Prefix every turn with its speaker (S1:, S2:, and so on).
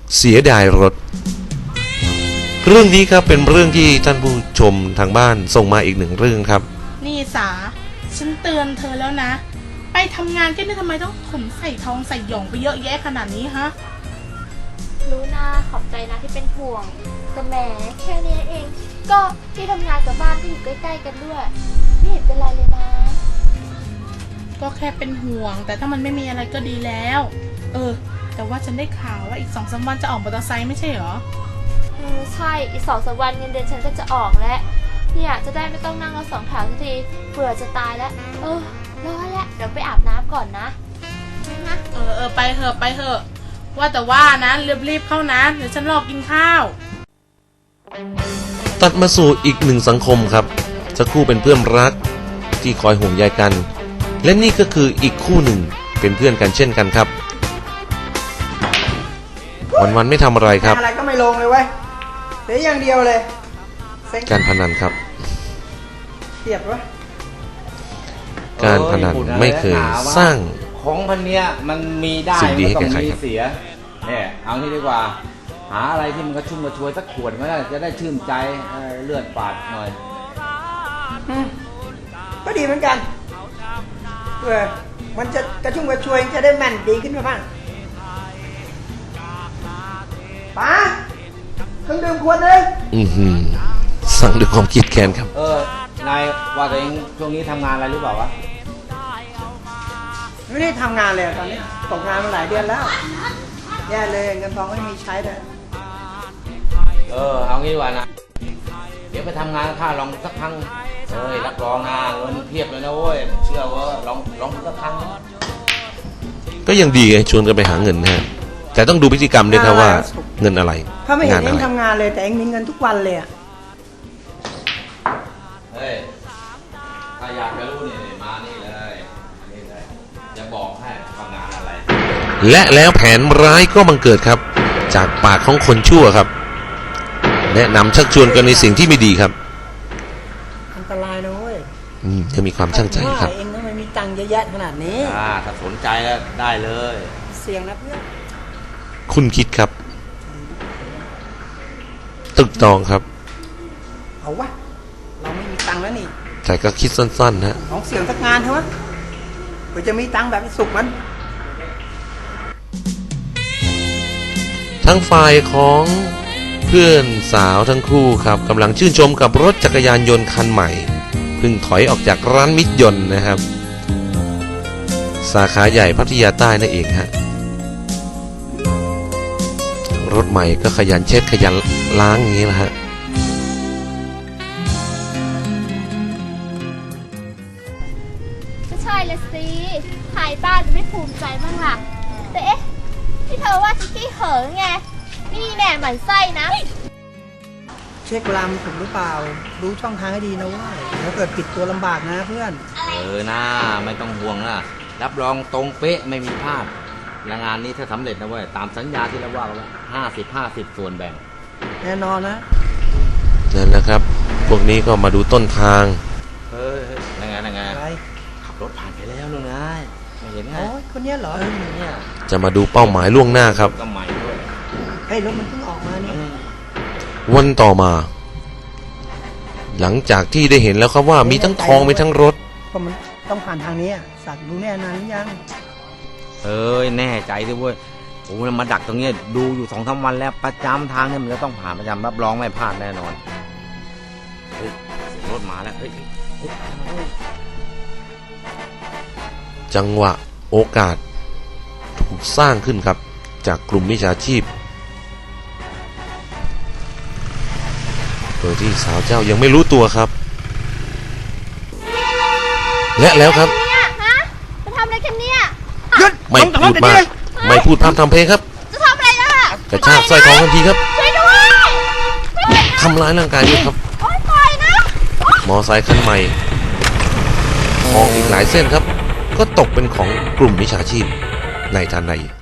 S1: เสียดายรถเรื่องนี้ครับเป็นเรื่องที่ท่านผู้ชมทางบ้านส่งมาอีกหนึ่งเรื่องครับ
S2: นี่สาฉันเตือนเธอแล้วนะไปทำงานแค่นี้ทำไมต้องขนใส่ทองใส่หยองไปเยอะแยะขนาดนี้ฮะ
S3: รู้นะขอบใจนะที่เป็นห่วงแต่แหมแค่นี้เองก็ที่ทำงานกับบ้านก็อยู่ใกล้ๆกันด้วยไม่เห็นเป็นไรเลยนะ
S2: ก็แค่เป็นห่วงแต่ถ้ามันไม่มีอะไรก็ดีแล้วแต่ว่าฉันได้ข่าวว่าอีก2-3 วันจะออกมอเตอร์ไซค์ไม่ใช่เหรอ
S3: ใช่อีก2-3 วันเงินเดือนฉันก็จะออกแล้วเนี่ยจะได้ไม่ต้องนั่งรถ2 แถวทีเบื่อจะตายแล้วร้อนแล้วเดี๋ยวไปอาบน้ำก่อนนะ
S2: ไปเถอะว่าแต่ว่านะรีบเข้านะเดี๋ยวฉันรอกินข้าว
S1: ตัดมาสู่อีกหนึ่งสังคมครับจะคู่เป็นเพื่อนรักที่คอยห่วงใยกันและนี่ก็คืออีกคู่หนึ่งเป็นเพื่อนกันเช่นกันครับวันไม่ทำอะไรครับ
S4: อะไรก็ไม่ลงเลยเว้ยเสียอย่างเดียวเลย
S1: การพนันครับ
S4: เทียบวะ
S1: การพนันไม่เคยสร้าง
S5: ของพันเนี้ยมันมีได้
S1: สิ่งดีให้แก่ใคร
S5: เสียเนี่ยเอาที่ดีกว่าหาอะไรที่มันกระชุ่มกระชวยสักขวดก็ได้จะได้ชื่นใจเลือดปาดหน่อย
S4: ก็ดีเหมือนกันมันจะกระชุ่มกระชวยจะได้แม่นดีขึ้นมาบ้างป๋าเครื่องดื่มขวดเลย
S1: สั่งด้วยความคิดแค้นครับ
S5: นายว่าตัวเองช่วงนี้ทำงานอะไรหรือเปล่าวะ
S4: ไม่ได้ทำงานเลยตอนนี้ตกงานมาหลายเดือนแล้วแย่เลยเงินทองไม่มีใช้เลย
S5: เอางี้ดีกว่านะเดี๋ยวไปทำงานข้าลองสักครั้งรับรองนะเงินเพียบเลยนะเว้ยเชื่อว่าลองสักครั้ง
S1: ก็ยังดีไงชวนกันไปหาเงินนะฮะแต่ต้องดูพฤติกรรมด้วยครับว่าเงินอะไร
S4: ถ้าไม่เห็นเองทำงานเลยแต่เองมีเงินทุกวันเลย
S5: ถ้าอยากจะรู้นี่มานี่เลยจะบอกให้ทำงานอะไร
S1: และแล้วแผนร้ายก็บังเกิดครับจากปากของคนชั่วครับแนะนำชักชวนกันในสิ่งที่ไม่ดีครับ
S4: อันตรายนะเว้ย
S1: จะมีความช่างใจครับ
S4: เองทำไมมีตังค์เยอะแยะขนาดนี้
S5: ถ้าสนใจแล้วได้เลย
S4: เสี่ยงนะเพื่อน
S1: คุณคิดครับตึกตองครับ
S4: เอาวะเราไม่มีตังค์แล้วนี่
S1: แต่ก็คิดสั้นๆนะ
S4: ของเสี่ยงสักงานเถอะเพื่อจะมีตังค์แบบสุกมัน
S1: ทั้งฝ่ายของเพื่อนสาวทั้งคู่ครับกำลังชื่นชมกับรถจักรยานยนต์คันใหม่เพิ่งถอยออกจากร้านมิตรยนต์นะครับสาขาใหญ่พัทยาใต้นั่นเองฮะรถใหม่ก็ขยันเช็ดขยันล้างอย่างนี้แหละฮะ
S3: ก็ใช่ละสิขายบ้านจะไม่ภูมิใจบ้างล่ะแต่ที่เธอว่าขี้เหินไงนี่แน่หมั่นไส้นะ
S4: เช็คเวลามันถูกหรือเปล่ารู้ช่องทางให้ดีนะว่าแล้วเกิดปิดตัวลำบากนะเพื่อน
S5: นะไม่ต้องห่วงนะรับรองตรงเป๊ะไม่มีพลาดงานนี้ถ้าสำเร็จนะเว้ยตามสัญญาที่เราว่าไว้50-50ส่วนแบ่ง
S4: แน่นอนนะ
S1: นั่นนะครับพวกนี้ก็มาดูต้นทาง
S5: นั่นไงขับรถผ่านไปแล้วนู่นไงไม่เห็นไง
S4: คนนี้เหรอ
S5: เนี่ย
S1: จะมาดูเป้าหมายล่วงหน้าครับ
S5: ก็ใหม่ด้วย
S4: รถมันเพิ่งออกมานี่
S1: วันต่อมาหลังจากที่ได้เห็นแล้วครับว่ามีทั้งทองมีทั้งรถ
S4: ก็มันต้องผ่านทางนี้สัตว์รู้แน่นานหรือยัง
S5: แน่ใจด้วยเว้ยโอ้มาดักตรงนี้ดูอยู่2-3 วันแล้วประจำทางเนี่ยมันจะต้องผ่านประจำรับรองไม่พลาดแน่นอนเสียงรถมาแล้ว
S1: จังหวะโอกาสถูกสร้างขึ้นครับจากกลุ่มมิจฉาชีพโดยที่สาวเจ้ายังไม่รู้ตัวครับและแล้วครับ
S3: จะทำอะไรกันเนี่ย
S1: ไม่พูดมากไม่พูดพร่ำทำเพลงครับ
S3: จะทำอะไรล่ะ
S1: กระชากสร้อยทองทันทีครับ
S3: ช่วยด้วย
S1: ทำร้ายร่างกายด้วยครับ
S3: ปล่อยนะ
S1: มอไซค์คันใหม่ทองอีกหลายเส้นครับก็ตกเป็นของกลุ่มมิจฉาชีพในทันใด